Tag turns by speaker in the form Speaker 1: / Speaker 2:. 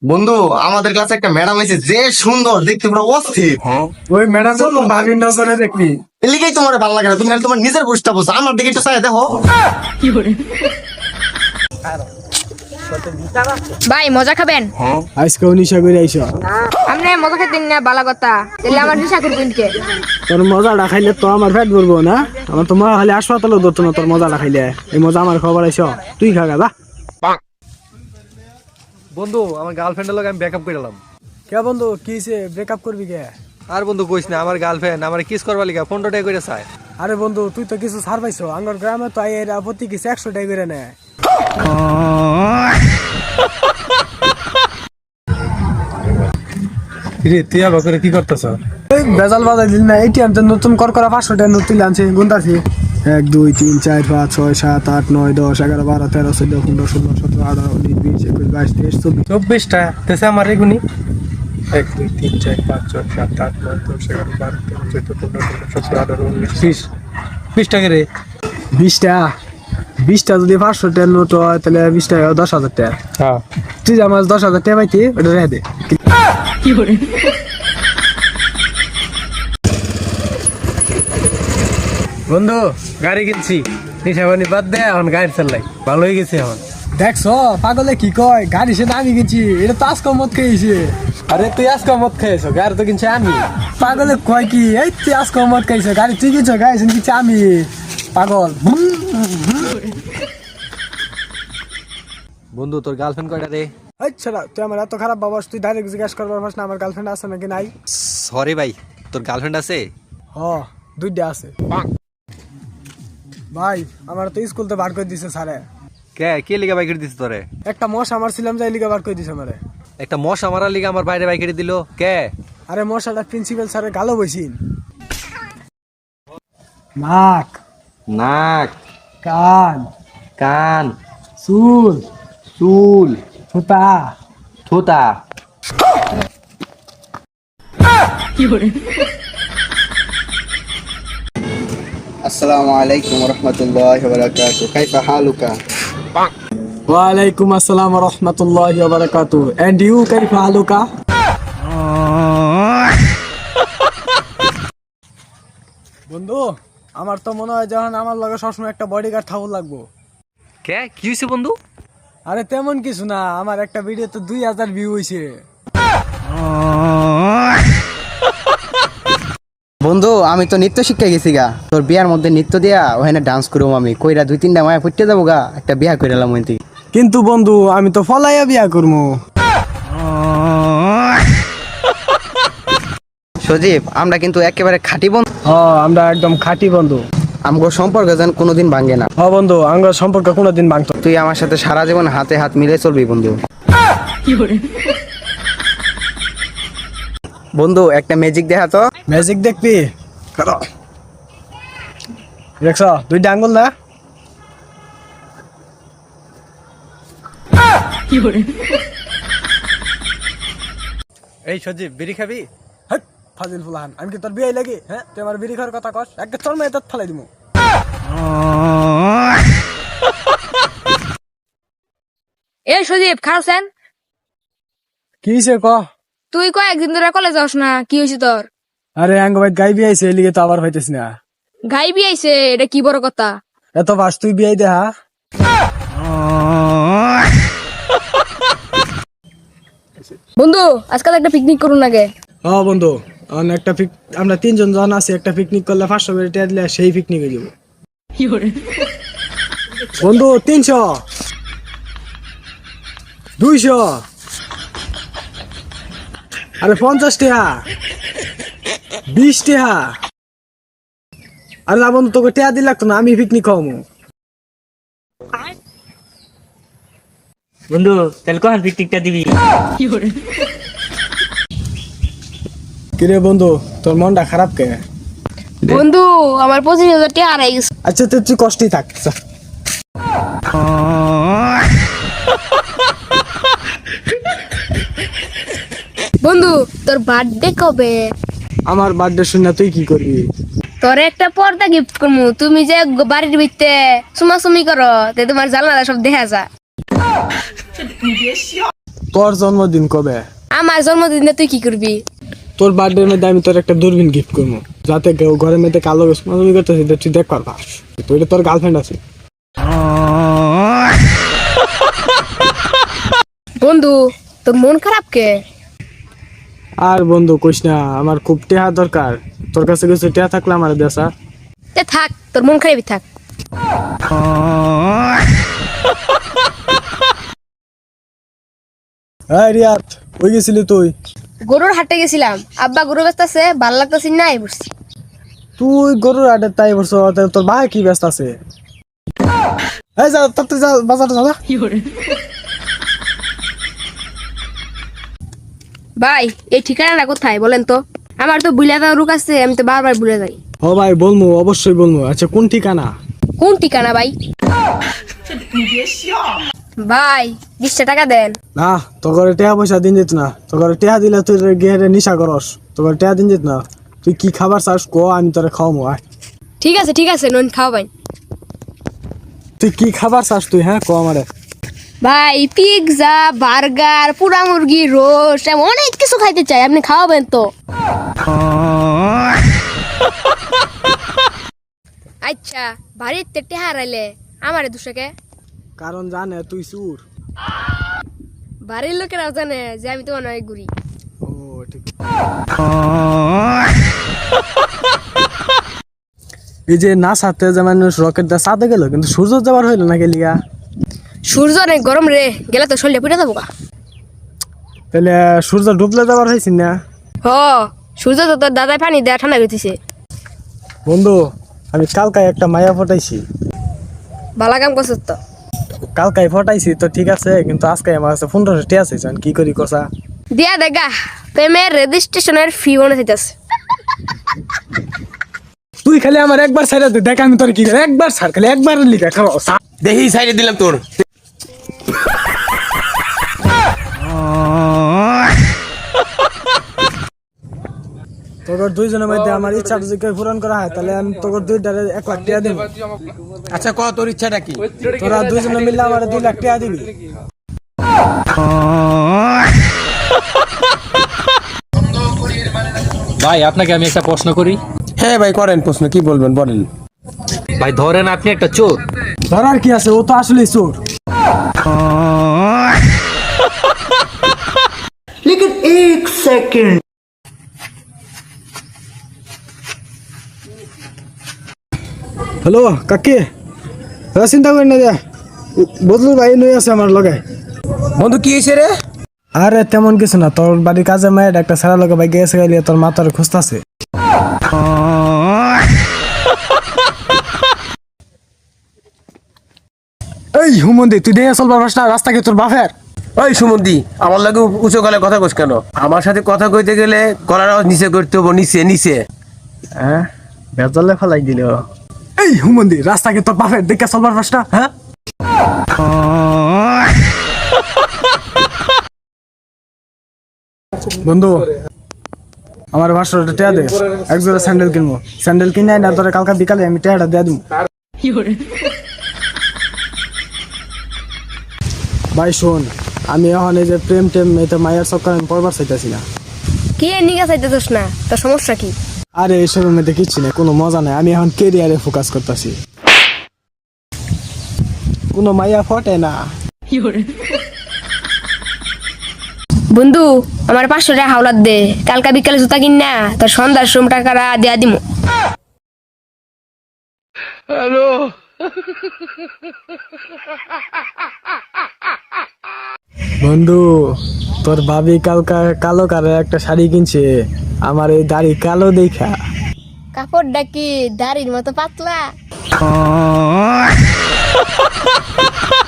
Speaker 1: বন্ধু, আমাদের কাছে একটা ম্যাডাম আছে, যে সুন্দর দেখতে, পুরো অস্থির।
Speaker 2: ওই ম্যাডাম তো ভাবির নজরে দেখবি।
Speaker 1: এলিগেই তোমার ভালো লাগে না, তুমি খালি তোমার নিজের বুঝতে বসো, আমার দিকে একটু চাই দেখো।
Speaker 3: ভাই মজা খাবেন?
Speaker 2: আজকে নিশা করে আইস।
Speaker 3: আপনি মজা খেতেন না বালা কথা, তাহলে আমার নিশা করবেন কে?
Speaker 2: তোর মজাটা খাইলে তো আমার পেট ভরবো না। আমার তো মজা খাইলে হাসপাতালে ধরতো না। তোর মজাটা খাইলে এই মজা আমার খবর আইস। তুই খাগা যা।
Speaker 4: বন্ধু, আমার গার্লফ্রেন্ডের লগে আমি ব্রেকআপ করে এলাম।
Speaker 2: কে বন্ধু কিছে ব্রেকআপ করবি কে?
Speaker 4: আর বন্ধু কইস না, আমার গার্লফ্রেন্ড আমার কিস করবার লিগা 15 টাকা করে চায়।
Speaker 2: আরে বন্ধু তুই তো কিছু ছাড় পাইছো। আঙ্গর গ্রামে তো এর আপত্তি কিছু 100 টাকা করে নেয়।
Speaker 4: রে তুই আবার করে কি করতেছ?
Speaker 2: এই বেজাল বাজাই দিল না। এটিএম তো নতুন কর করা 500 টাকা নোট তুলে আনছে। গুনতাছি 1 2 3 4 5 6 7 8 9 10 11 12 13 14 15 16 17 18 19 20 21 22 23
Speaker 4: 24টা তেছে আমার এগুনি 1 2 3 4 5 6 7 8 9 10 11 12 13 14 15 16 17 18 19 20 20 টাকা রে।
Speaker 2: 20 টাকা 20টা যদি 500 টাকা নোট হয় তাহলে 20 টাকা 10,000 টাকা।
Speaker 4: হ্যাঁ
Speaker 2: তুই আমার 10,000 টাকা পাইতি ওটা রেখে দে।
Speaker 4: বন্ধু, গাড়ি কিনছি, নিশাবানি বাদ দে, এখন গাড়ি চালাই ভালো হয়ে গেছে এখন।
Speaker 2: দেখছ পাগলে কি কয়, গাড়ি সে দামি কিনছি, এটা তো আজকে মত খাইছে।
Speaker 4: আরে তুই আজকে মদ খেয়েছো, গাড়ি তো কিনছি আমি।
Speaker 2: পাগলে কয় কি, এই তুই আজকে মত খাইছে, গাড়ি তুই কিনছ, গাড়ি কিনছি আমি। পাগল।
Speaker 4: বন্ধু, তোর গার্লফ্রেন্ড কয়টা রে?
Speaker 2: আচ্ছা তুই আমার এত খারাপ বাবাস, তুই ডাইরেক্ট জিজ্ঞাসা করবার পারছ না আমার গার্লফ্রেন্ড আছে নাকি নাই?
Speaker 4: সরি ভাই, তোর গার্লফ্রেন্ড আছে?
Speaker 2: হ, 2টা আছে। ভাই আমার তো স্কুল তো বার করে দিছে স্যারে।
Speaker 4: কে লিগা বাইক দিছিস তোরে?
Speaker 2: একটা মশ আমার ছিলাম যাই লিগা বার করে দিছে আমারে।
Speaker 4: একটা মশা মারার লিগা আমার বাইরে বাইক দিল কে?
Speaker 2: আরে মশাটা প্রিন্সিপাল স্যারের গালো বইছিন। নাক,
Speaker 4: নাক,
Speaker 2: কান,
Speaker 4: কান,
Speaker 2: চুল,
Speaker 4: চুল,
Speaker 2: থুতা।
Speaker 4: থুতা।
Speaker 1: আসসালামু আলাইকুম ওয়া রাহমাতুল্লাহি ওয়া বারাকাতুহু, কাইফা হালুকা?
Speaker 2: ওয়ালাইকুম আসসালাম ওয়া রাহমাতুল্লাহি ওয়া বারাকাতুহু। এন্ড ইউ কাইফা হালুকা? বন্ধু, আমার তো মনে হয় যখন আমার লগে সবসময় একটা বডিগার্ড থাকুর লাগবো।
Speaker 4: কি হয়েছে বন্ধু?
Speaker 2: আরে তেমন কিছু না, আমার একটা ভিডিওতে 2000 ভিউ হইছে।
Speaker 1: বন্ধু, আমি তো নৃত্য শিক্ষা গেছি গা, তোর বিয়ার মধ্যে নৃত্য দিয়া ওখানে ডান্স করবো আমি, কইরা 2-3টা মায়া ফুটতে যাবো গা, একটা বিয়া করে এলাম ওইটি।
Speaker 2: কিন্তু বন্ধু আমি তো ফলাইয়া বিয়া করবো।
Speaker 1: সজীব, আমরা কিন্তু একেবারে খাঁটি বন্ধু,
Speaker 2: আমরা একদম খাঁটি বন্ধু।
Speaker 1: আমগো সম্পর্ক যেন কোনোদিন ভাঙে না।
Speaker 2: বন্ধু আমরা সম্পর্ক কোনোদিন ভাঙতো।
Speaker 1: তুই আমার সাথে সারা জীবন হাতে হাত মিলে চলবি বন্ধু। বন্ধু, একটা ম্যাজিক দেখা তো।
Speaker 2: ম্যাজিক দেখবি? দেখছ 2টা আঙ্গুল না?
Speaker 4: এই সজীব, বিড়ি খাবি?
Speaker 2: হেৎ, ফাজিল ফুলান, আমি কি তোর বিয়ে লাগি? হ্যাঁ, তুই আমার বিড়ি খাওয়ার কথা কস, একটা চল মেয়ে দাঁত ফালাই দিমু।
Speaker 3: এ সজীব খাওছেন?
Speaker 2: কি হইছে ক?
Speaker 3: তুই কয়েকদিন ধরে কলেজ যাস না, কি হয়েছে তোর?
Speaker 2: আরে আঙ্গ ভাই গাই বিয়ে আইছে, এলিগে তো আবার হইতেছ না।
Speaker 3: গাই বিয়াইছে, এটা কি বড় কথা?
Speaker 2: এত বাস তুই বিয়ে দেখা।
Speaker 3: বন্ধু, আজকাল একটা পিকনিক করুন আগে।
Speaker 2: বন্ধু, একটা আমরা 3জন জন আছি, একটা পিকনিক করলে 500 করে টাকা দিলে সেই পিকনিক হয়ে যাবো। বন্ধু 300, 200, আরে 50 টাকা, 20 টাকা। আরে না বন্ধু, তোকে টাকা দিলে লাগতো না, আমি পিকনিক খাওয়াবো।
Speaker 5: বন্ধু তাহলে কখন পিকনিকটা দিবি?
Speaker 2: কিরে বন্ধু, তোর মনটা খারাপ কে?
Speaker 3: বন্ধু, আমার 25,000 টাকা হারাই গেছে।
Speaker 2: আচ্ছা তুই কষ্টই থাক।
Speaker 3: বন্ধু, তোর বার্থডে কবে?
Speaker 2: আমার বার্থডে শুনে তুই কি করবি?
Speaker 3: তোর একটা পর্দা গিফট করবো, তুমি যে বাড়ির ভিতরে চুমাচুমি করো, তে তোমার জানালা সব দেখা যায়।
Speaker 2: তোর জন্মদিন কবে?
Speaker 3: আমার জন্মদিনে তুই কি করবি?
Speaker 2: তোর বার্থডের মধ্যে আমি তোর একটা দূরবীন গিফট করবো, যাতে কেউ ঘরের মধ্যে কালো তুমি করতেছি তুই দেখ পারবা। তুই তোর গার্লফ্রেন্ড আছে।
Speaker 3: বন্ধু তোর মন খারাপ কে?
Speaker 2: আর বন্ধু কইস না, আমার খুব টেহা দরকার। তোর কাছে কিছু টেহা থাকলে আমার দেশা।
Speaker 3: তে থাক, তোর মন খারাপই থাক।
Speaker 2: হ্যাঁ রিয়াত, ওই গেছিলি তুই?
Speaker 3: গরুর হাটে গেছিলাম, আব্বা গরু ব্যস্ত আছে, ভাল লাগতেছি না, এই বসছি।
Speaker 2: তুই গরুর আডে তাই বলছ, তোর ভাই কি ব্যস্ত আছে? এই যা তাতে যা, বাজারে যা।
Speaker 3: ভাই এই ঠিকানাটা কোথায় বলেন তো? আমার তো ভুলে যাওয়ার রোগ আছে, আমি তো বারবার ভুলে যাই।
Speaker 2: ও ভাই বলবো, অবশ্যই বলবো। আচ্ছা কোন ঠিকানা?
Speaker 3: কোন ঠিকানা ভাই? ভাই 20 টাকা দেন।
Speaker 2: না, তোর টেহা পয়সা দিন যেত না। তোর টেহা দিলে তুই গিয়ে নিশা করস। তোর টেহা দিন যেত না। তুই কি খাবার চাস কো, আমি তোরে খাওয়াবো।
Speaker 3: ঠিক আছে নন খাও ভাই।
Speaker 2: তুই কি খাবার চাস তুই? হ্যাঁ কো আমারে।
Speaker 3: ভাই পিৎজা, বার্গার, পুরা মুরগি, রোস্ট, এমন অনেক কিছু খাইতে চাই, আপনি খাওয়াবেন তো? আচ্ছা বাড়িতে টেহা হারাইলে আমারে দুশোকে?
Speaker 2: কারণ জানে তুই চুর।
Speaker 3: বাড়ির লোকেরাও জানে যে আমি তো অনেক ঘুরি।
Speaker 2: ও ঠিক। এই যে না সাথে যে মানুষ রকেট দা সাথে গেল, কিন্তু সূর্য যাবার হইলো না গেলিয়া।
Speaker 3: সূর্য অনেক গরম রে, গেলে তো শরীরে পুড়ে যাবো গা।
Speaker 2: তাহলে সূর্য ডুবলে যাবার হয়েছি না?
Speaker 3: হ, সূর্য তো তোর দাদাই পানি দেয়া ঠান্ডা করতেছে।
Speaker 2: বন্ধু আমি কালকায় একটা মায়া ফটাইছি।
Speaker 3: ভালো কাম করছিস তো।
Speaker 2: কালকায় ফটাইছি তো ঠিক আছে, কিন্তু আজকে আমার কাছে 1500 টাকা আছে। কি করি কসা?
Speaker 3: দিয়া দেখা, প্রেমের রেজিস্ট্রেশনের ফি মনে হইতেছে।
Speaker 2: তুই খালি আমার একবার ছাইরা দে, দেখ আমি তোর কি করি। একবার ছাড়, খালি একবার লিখা খাও।
Speaker 1: দেখি সাইডে দিলাম তোর।
Speaker 2: তোর দুইজনের মধ্যে আমার ইচ্ছা যদি পূরণ করা হয়, তাহলে আমি তোর 1 লাখ টাকা দেব।
Speaker 1: আচ্ছা ক তোর ইচ্ছাটা কি?
Speaker 2: তোরা দুইজনে মিললে আমার 2 লাখ টাকা দিবি।
Speaker 5: ভাই আপনাকে আমি একটা প্রশ্ন করি।
Speaker 1: হ্যাঁ ভাই করেন প্রশ্ন, কি বলবেন বলেন।
Speaker 5: ভাই ধরেন আপনি একটা চোর।
Speaker 2: ধরার কি আছে, ও তো আসলেই চোর।
Speaker 6: लेकिन एक सेकंड।
Speaker 2: হ্যালো কাকি, চিন্তা করি না, বদলু ভাই নই আছে আমার লগে।
Speaker 1: বন্ধু কি হয়েছে রে?
Speaker 2: আরে তেমন কিছু না, তোর বাড়ির কাজে মায়ের একটা সারা লগে ভাই গেছে গেলে তোর মাথার খুঁজতেছে। এই হুমন্দি, তুই দেখে চলবার পারস না? রাস্তা কি তোর বাপের?
Speaker 1: ওই সুমন্দি, আমার লাগে উঁচু গলায় কথা কস কেন? আমার সাথে কথা কইতে গেলে গলার আওয়াজ নিচে করতে হবো, নিচে নিচে। হ্যাঁ বেজালে ফেলাই দিল।
Speaker 2: এই হুমন্দি, রাস্তা কি তোর বাপের? দেখে চলবার পারস না? হ্যাঁ বন্ধু, আমার 500 টাকা দে, এক জোড়া স্যান্ডেল কিনবো। স্যান্ডেল কিনে না তোর কালকা বিকালে আমি টাকাটা দিয়ে দিব। ভাই শোন, আমি এখন এই যে প্রেম টেম এটা মায়ের চক্কর আমি পড়বার চাইতেছি না।
Speaker 3: কি নিগা চাইতেছিস না? তোর সমস্যা কি?
Speaker 2: আরে এইসবের মধ্যে কিচ্ছু নেই, কোনো মজা নাই। আমি এখন কেরিয়ারে ফোকাস করতেছি। কোনো মাইয়া ফটে না।
Speaker 3: বন্ধু আমার 500 টাকা হাওলাত দে, কালকা বিকালে জুতা কিন না, তোর সন্ধ্যার সময় টাকাটা দেয়া দিমু।
Speaker 2: বন্ধু তোর ভাবি কালকা কালো কারে একটা শাড়ি কিনছে, আমার এই দাড়ি কালো দেখা।
Speaker 3: কাপড়টা কি দাড়ির মতো পাতলা?